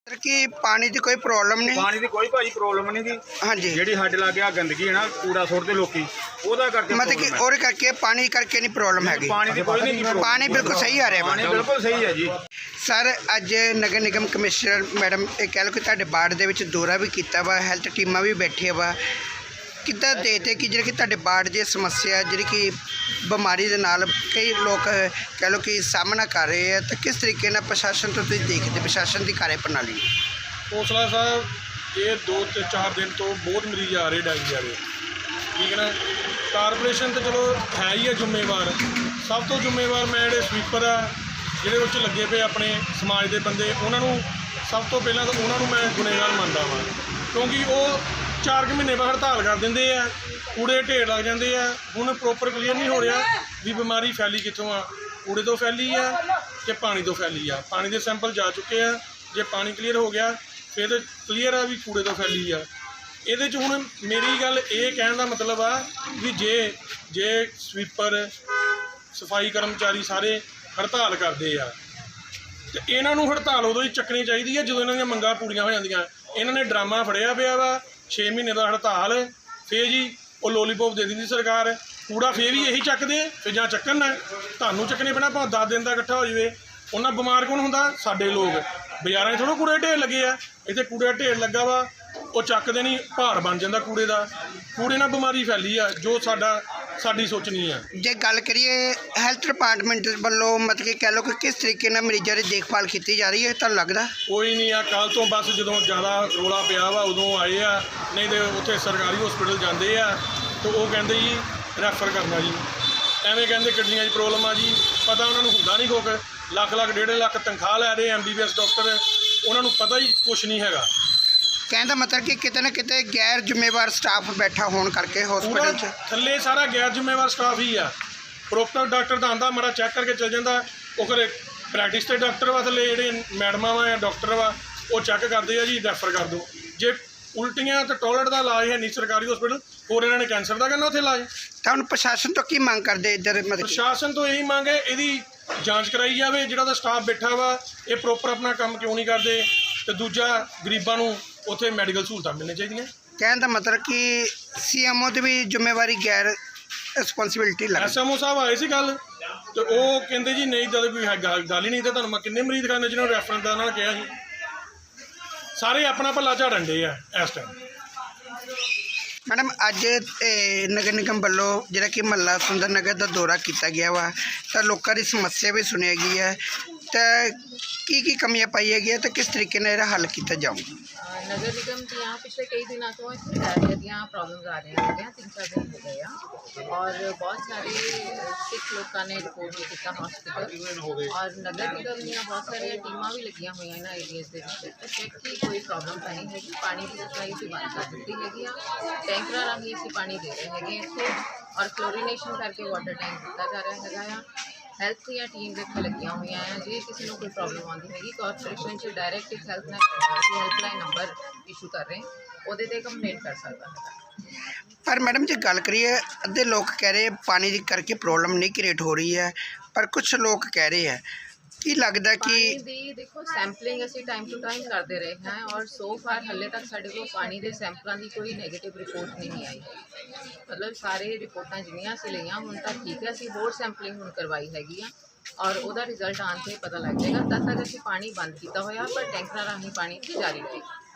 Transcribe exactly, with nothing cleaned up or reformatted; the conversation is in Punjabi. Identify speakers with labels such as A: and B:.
A: कि पानी की कोई प्रॉब्लम नहीं,
B: पानी की कोई भाई प्रॉब्लम नहीं दी।
A: हाँ जी,
B: ਜਿਹੜੀ ਸਾਡੇ ਲਾਗੇ ਆ ਗੰਦਗੀ ਹੈ ਨਾ, ਕੂੜਾ ਸੁੱਟਦੇ ਲੋਕੀ, ਉਹਦਾ ਕਰਕੇ
A: मतलब कि और करके पानी करके नहीं प्रॉब्लम हैगी।
B: पानी की कोई नहीं,
A: पानी बिल्कुल सही आ रहा
B: पानी
A: है।
B: बिल्कुल सही है जी।
A: सर अज नगर निगम कमिश्नर मैडम ये कह लो कि तुहाडे वार्ड दे विच दौरा भी किया वा, हैल्थ टीमां भी बैठिया वा, किद्दां देखते कि जिहड़ी कि तुहाडे वार्ड दी समस्या जिहड़ी कि बीमारी दे नाल कई लोग कह लो कि सामना कर रहे हैं, तो किस तरीके नाल प्रशासन तो तुसीं देखदे प्रशासन की कार्य प्रणाली?
C: कौंसलर साहब ये दो तो चार दिन तो बहुत मरीज आ रहे डायरिया वाले, ठीक है ना। कारपोरेशन तो चलो है ही है जिम्मेवार, सब तो जिम्मेवार मैं जो स्वीपर आ ਜਿਹੜੇ ਉੱਚ ਲੱਗੇ ਪਏ ਆਪਣੇ ਸਮਾਜ ਦੇ ਬੰਦੇ, ਉਹਨਾਂ ਨੂੰ ਸਭ ਤੋਂ ਪਹਿਲਾਂ ਤਾਂ ਉਹਨਾਂ ਨੂੰ ਮੈਂ ਗੁਨੇਗਾਰ ਮੰਨਦਾ ਵਾਂ, ਕਿਉਂਕਿ ਉਹ ਚਾਰ ਕੁ ਮਹੀਨੇ ਬਾਅਦ ਹੜਤਾਲ ਕਰ ਦਿੰਦੇ ਆ, ਕੂੜੇ ਢੇਰ ਲੱਗ ਜਾਂਦੇ ਆ। ਹੁਣ ਪ੍ਰੋਪਰ ਕਲੀਅਰ ਨਹੀਂ ਹੋ ਰਿਹਾ ਵੀ ਬਿਮਾਰੀ ਫੈਲੀ ਕਿੱਥੋਂ ਆ, ਕੂੜੇ ਤੋਂ ਫੈਲੀ ਆ ਕਿ ਪਾਣੀ ਤੋਂ ਫੈਲੀ ਆ। ਪਾਣੀ ਦੇ ਸੈਂਪਲ ਜਾ ਚੁੱਕੇ ਆ, ਜੇ ਪਾਣੀ ਕਲੀਅਰ ਹੋ ਗਿਆ ਫਿਰ ਕਲੀਅਰ ਆ ਵੀ ਕੂੜੇ ਤੋਂ ਫੈਲੀ ਆ। ਇਹਦੇ 'ਚ ਹੁਣ ਮੇਰੀ ਗੱਲ ਇਹ ਕਹਿਣ ਦਾ ਮਤਲਬ ਆ ਵੀ ਜੇ ਜੇ ਸਵੀਪਰ ਸਫਾਈ ਕਰਮਚਾਰੀ ਸਾਰੇ ਹੜਤਾਲ ਕਰਦੇ ਆ ਤੇ ਇਹਨਾਂ ਨੂੰ ਹੜਤਾਲ ਉਦੋਂ ਹੀ ਚੱਕਣੀ ਚਾਹੀਦੀ ਹੈ ਜਦੋਂ ਇਹਨਾਂ ਦੀਆਂ ਮੰਗਾਂ ਪੂਰੀਆਂ ਹੋ ਜਾਂਦੀਆਂ। ਇਹਨਾਂ ਨੇ ਡਰਾਮਾ ਫੜਿਆ ਪਿਆ ਵਾ ਛੇ ਮਹੀਨੇ ਦਾ ਹੜਤਾਲ, ਫੇਰ ਜੀ ਉਹ ਲੋਲੀਪੋਪ ਦੇ ਦਿੰਦੀ ਸਰਕਾਰ, ਕੂੜਾ ਫੇਰ ਵੀ ਇਹੀ ਚੱਕਦੇ, ਫਿਰ ਜਾਂ ਚੱਕਣ ਨਾ ਤੁਹਾਨੂੰ ਚੱਕਣੇ ਪੈਣਾ, ਭਾਵੇਂ ਦਸ ਦਿਨ ਦਾ ਇਕੱਠਾ ਹੋ ਜਾਵੇ। ਉਹਨਾਂ ਬਿਮਾਰ ਕੌਣ ਹੁੰਦਾ? ਸਾਡੇ ਲੋਕ। ਬਾਜ਼ਾਰਾਂ 'ਚ ਥੋੜ੍ਹਾ ਕੂੜੇ ਢੇਰ ਲੱਗੇ ਆ, ਇੱਥੇ ਕੂੜੇ ਢੇਰ ਲੱਗਾ ਵਾ, ਉਹ ਚੱਕਦੇ ਨਹੀਂ, ਭਾਰ ਬਣ ਜਾਂਦਾ ਕੂੜੇ ਦਾ। ਕੂੜੇ ਨਾਲ ਬਿਮਾਰੀ ਫੈਲੀ ਆ, ਜੋ ਸਾਡਾ ਸਾਡੀ ਸੋਚਣੀ ਆ।
A: ਜੇ ਗੱਲ ਕਰੀਏ ਹੈਲਥ ਡਿਪਾਰਟਮੈਂਟ ਵੱਲੋਂ ਮਤਲਬ ਕਿ ਕਹਿ ਲਓ ਕਿ ਕਿਸ ਤਰੀਕੇ ਨਾਲ ਮਰੀਜ਼ਾਂ ਦੀ ਦੇਖਭਾਲ ਕੀਤੀ ਜਾ ਰਹੀ ਹੈ, ਤੁਹਾਨੂੰ ਲੱਗਦਾ?
C: ਕੋਈ ਨਹੀਂ ਆ, ਕੱਲ੍ਹ ਤੋਂ ਬਸ ਜਦੋਂ ਜ਼ਿਆਦਾ ਰੌਲਾ ਪਿਆ ਵਾ ਉਦੋਂ ਆਏ ਆ, ਨਹੀਂ ਤਾਂ ਉੱਥੇ ਸਰਕਾਰੀ ਹਸਪੀਟਲ ਜਾਂਦੇ ਆ ਤਾਂ ਉਹ ਕਹਿੰਦੇ ਜੀ ਰੈਫਰ ਕਰਨਾ ਜੀ, ਐਵੇਂ ਕਹਿੰਦੇ ਕਿਡਨੀਆਂ 'ਚ ਪ੍ਰੋਬਲਮ ਆ ਜੀ। ਪਤਾ ਉਹਨਾਂ ਨੂੰ ਹੁੰਦਾ ਨਹੀਂ ਕੁਛ, ਲੱਖ ਲੱਖ ਡੇਢ ਲੱਖ ਤਨਖਾਹ ਲੈ ਰਹੇ M B B S doctor, ਉਹਨਾਂ ਨੂੰ ਪਤਾ ਹੀ ਕੁਛ ਨਹੀਂ ਹੈਗਾ।
A: ਕਹਿਣ ਦਾ ਮਤਲਬ ਕਿ ਕਿਤੇ ਨਾ ਕਿਤੇ ਗੈਰ ਜ਼ਿੰਮੇਵਾਰ ਸਟਾਫ ਬੈਠਾ ਹੋਣ ਕਰਕੇ ਹਸਪੀਟਲ 'ਚ
C: ਥੱਲੇ ਸਾਰਾ ਗੈਰ ਜ਼ਿੰਮੇਵਾਰ ਸਟਾਫ ਹੀ ਆ। ਪ੍ਰੋਪਰ ਡਾਕਟਰ ਦਾ ਆਉਂਦਾ, ਮਾੜਾ ਚੈੱਕ ਕਰਕੇ ਚਲ ਜਾਂਦਾ, ਉਹ ਘਰੇ ਪ੍ਰੈਕਟਿਸ ਤੇ ਡਾਕਟਰ ਵਾ, ਥੱਲੇ ਜਿਹੜੇ ਮੈਡਮਾਂ ਵਾ ਜਾਂ ਡਾਕਟਰ ਵਾ ਉਹ ਚੈੱਕ ਕਰਦੇ ਆ ਜੀ, ਰੈਫਰ ਕਰ ਦਿਓ। ਜੇ ਉਲਟੀਆਂ ਤੇ ਟੋਇਲਟ ਦਾ ਇਲਾਜ ਹੈ ਨਹੀਂ ਸਰਕਾਰੀ ਹਸਪੀਟਲ, ਹੋਰ ਇਹਨਾਂ ਨੇ ਕੈਂਸਰ ਦਾ ਕਰਨਾ ਉੱਥੇ ਇਲਾਜ।
A: ਤਾਂ ਹੁਣ ਪ੍ਰਸ਼ਾਸਨ ਤੋਂ ਕੀ ਮੰਗ ਕਰਦੇ ਇੱਧਰ? ਮਤਲਬ
C: ਪ੍ਰਸ਼ਾਸਨ ਤੋਂ ਇਹੀ ਮੰਗ ਹੈ ਇਹਦੀ ਜਾਂਚ ਕਰਾਈ ਜਾਵੇ, ਜਿਹੜਾ ਦਾ ਸਟਾਫ ਬੈਠਾ ਵਾ ਇਹ ਪ੍ਰੋਪਰ ਆਪਣਾ ਕੰਮ ਕਿਉਂ ਨਹੀਂ ਕਰਦੇ, ਤੇ ਦੂਜਾ ਗਰੀਬਾਂ ਨੂੰ ਉੱਥੇ ਮੈਡੀਕਲ ਸਹੂਲਤਾਂ ਮਿਲਣੀਆਂ ਚਾਹੀਦੀਆਂ।
A: ਕਹਿਣ ਦਾ ਮਤਲਬ ਕਿ ਸੀ ਐਮ ਓ ਦੀ ਵੀ ਜ਼ਿੰਮੇਵਾਰੀ ਗੈਰ ਰਿਸਪੌਂਸਿਬਿਲਿਟੀ ਲੱਗ
C: ਐਸ ਐਮ ਓ ਸਾਹਿਬ ਆਏ ਸੀ ਗੱਲ, ਤੇ ਉਹ ਕਹਿੰਦੇ ਜੀ ਨਹੀਂ ਜਦ ਕੋਈ ਗੱਲ ਗੱਲ ਹੀ ਨਹੀਂ, ਤੇ ਤੁਹਾਨੂੰ ਮੈਂ ਕਿੰਨੇ ਮਰੀਜ਼ ਖਾਨੇ ਜਿਹਨਾਂ ਨੂੰ ਰੈਫਰੈਂਸ ਦਾ ਉਹਨਾਂ ਨੇ ਕਿਹਾ ਸੀ, ਸਾਰੇ ਆਪਣਾ ਭੱਲਾ ਝਾੜਨ ਡੇ ਆ ਇਸ ਟਾਈਮ।
A: ਮੈਡਮ ਅੱਜ ਨਗਰ ਨਿਗਮ ਵੱਲੋਂ ਜਿਹੜਾ ਕਿ ਮਹੱਲਾ ਸੁੰਦਰ ਨਗਰ ਦਾ ਦੌਰਾ ਕੀਤਾ ਗਿਆ ਵਾ, ਤਾਂ ਲੋਕਾਂ ਦੀ ਸਮੱਸਿਆ ਵੀ ਸੁਣੀ ਗਈ ਹੈ, ਤਾਂ ਕੀ ਕੀ ਕਮੀਆਂ ਪਾਈਆਂ ਗਈਆਂ ਤੇ ਕਿਸ ਤਰੀਕੇ ਨਾਲ ਇਹਦਾ ਹੱਲ ਕੀਤਾ ਜਾਊਗਾ?
D: नगर निगम की यहाँ पिछले कई दिनों तो डायरिया दी प्रॉब्लम्स आ रही हैं, तीन चार दिन हो गए हैं, और बहुत सारे सिख लोगों ने रिपोर्ट भी किया हॉस्पिटल, और नगर निगम दी बहुत सारी टीमां भी लगियां हुई इन्होंने एरियाज के चेक की कोई प्रॉब्लम तो नहीं हैगी। पानी की सप्लाई भी बंद कर दी हैगी, टैंकर राही असीं पानी दे रहे हैं इत्थे, और क्लोरीनेशन करके वाटर टैंक दिता जा रहा है। हैल्थ ਦੀਆਂ ਟੀਮ ਇੱਥੇ ਲੱਗੀਆਂ ਹੋਈਆਂ ਆ, ਜੇ ਕਿਸੇ ਨੂੰ ਕੋਈ ਪ੍ਰੋਬਲਮ ਆਉਂਦੀ ਹੈਗੀ ਕਾਰਪੋਰੇਸ਼ਨ 'ਚ ਡਾਇਰੈਕਟ ਇੱਕ ਹੈਲਥ ਹੈਲਪਲਾਈਨ ਨੰਬਰ ਇਸ਼ੂ ਕਰ ਰਹੇ, ਉਹਦੇ 'ਤੇ ਕੰਪਲੇਂਟ ਕਰ ਸਕਦਾ ਹੈ।
A: ਪਰ ਮੈਡਮ ਜੇ ਗੱਲ ਕਰੀਏ, ਅੱਧੇ ਲੋਕ ਕਹਿ ਰਹੇ ਪਾਣੀ ਦੀ ਕਰਕੇ ਪ੍ਰੋਬਲਮ ਨਹੀਂ ਕ੍ਰੀਏਟ ਹੋ ਰਹੀ ਹੈ, ਪਰ ਕੁਝ ਲੋਕ ਕਹਿ ਰਹੇ ਹੈ, ਕੀ ਲੱਗਦਾ ਕਿ
D: ਪਾਣੀ ਦੀ ਦੇਖੋ ਸੈਂਪਲਿੰਗ ਅਸੀਂ ਟਾਈਮ ਟੂ ਟਾਈਮ ਕਰਦੇ ਰਹੇ ਹਾਂ, ਔਰ ਸੋ ਫਾਰ ਹਾਲੇ ਤੱਕ ਸਾਡੇ ਕੋਲ ਪਾਣੀ ਦੇ ਸੈਂਪਲਾਂ ਦੀ ਕੋਈ ਨੈਗੇਟਿਵ ਰਿਪੋਰਟ ਨਹੀਂ ਆਈ। ਮਤਲਬ ਸਾਰੇ ਰਿਪੋਰਟਾਂ ਜਿੰਨੀਆਂ ਅਸੀਂ ਲਈਆਂ ਹੁਣ ਤਾਂ ਠੀਕ ਹੈ, ਅਸੀਂ ਹੋਰ ਸੈਂਪਲਿੰਗ ਹੁਣ ਕਰਵਾਈ ਹੈਗੀ ਆ, ਔਰ ਉਹਦਾ ਰਿਜ਼ਲਟ ਆਉਣ 'ਤੇ ਪਤਾ ਲੱਗ ਜਾਏਗਾ। ਤਦ ਤੱਕ ਅਸੀਂ ਪਾਣੀ ਬੰਦ ਕੀਤਾ ਹੋਇਆ, ਪਰ ਟੈਂਕਰਾਂ ਰਾਹੀਂ ਪਾਣੀ ਜਾਰੀ ਰਹੇਗਾ।